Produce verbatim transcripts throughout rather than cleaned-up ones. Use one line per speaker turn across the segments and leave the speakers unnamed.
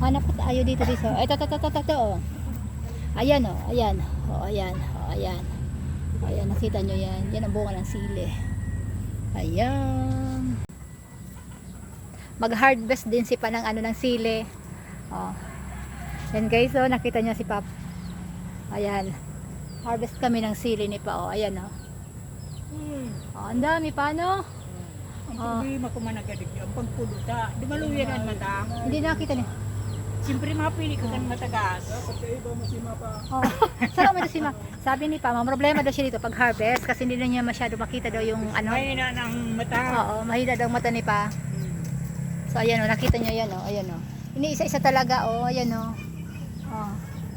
Hanap po tayo dito dito. Ito, ito, ito, ito, ito. Oh. Ayan oh, ayan. Oh, ayan. Oh, ayan. Ayan, nakita nyo yan. Yan ang bunga ng sili. Ayan. Mag-harvest din si pa ng ano ng sili. Oh. Yan guys, oh, nakita nyo si Pap. Ayan. Harvest kami ng sili ni pa. Oh, ayan oh.
Hmm.
Oh, ang dami pa no?
Ang
Oh.
problema ko managadig yung pagpuluta. Di maluyan ang mata.
Hindi nakita niyo.
Siyempre mapili ka kan matagas.
Oh. Saan mo ito si Ma? Sabi ni Pa, may problema daw siya dito pag harvest kasi hindi na niya masyado makita daw yung ano.
May na ng mata.
Oo, mahina daw mata ni Pa. So ayan oh, nakita niyo yan oh, ayan oh. Iniisa-isa talaga oh, ayan oh. Oh.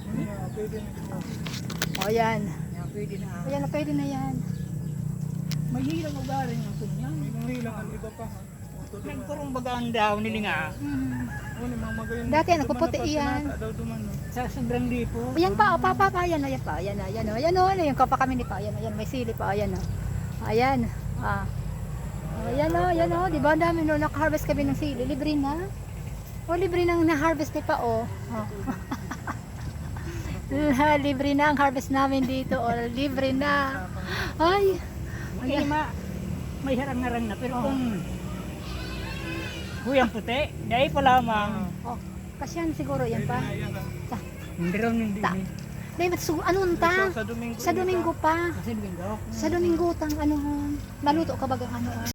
Oh, ayan.
Yan, pwede na.
Ayan, na pwede na yan.
Mahirang ugarin ng kunyan.
Mahirang ang iba pa.
Nagkurong bagaan daw nili nga.
Hmm.
Ano mga magayon.
Dati ano, puputi yan.
Daw dumano.
Sa sobrang lipo.
Ayan pa, oh, pa, pa, pa, ayan, ayan pa, ayan, ayan, oh, ayan, oh, ayan, yung kapa kami ni Pa, ayan, ayan, may sili pa, ayan, oh, ayan, ah, ayan, oh, ayan, oh, di ba, ang dami, no, naka-harvest kami ng sili, libre na, oh, libre nang na-harvest ni Pa, oh, oh. Libre na ang harvest namin dito, oh, libre na, ay,
Ay, ma, may harang-harang na. Pero kung huyang puti, dahil pa lamang.
oh, kasi yan siguro, yan pa, sa,
Hindi raw hindi.
Ta. David, so, anong ta?
Sa Domingo.
Sa Domingo pa,
Kasi linggo.
sa Domingo tang, ano, naluto ka bagang ano,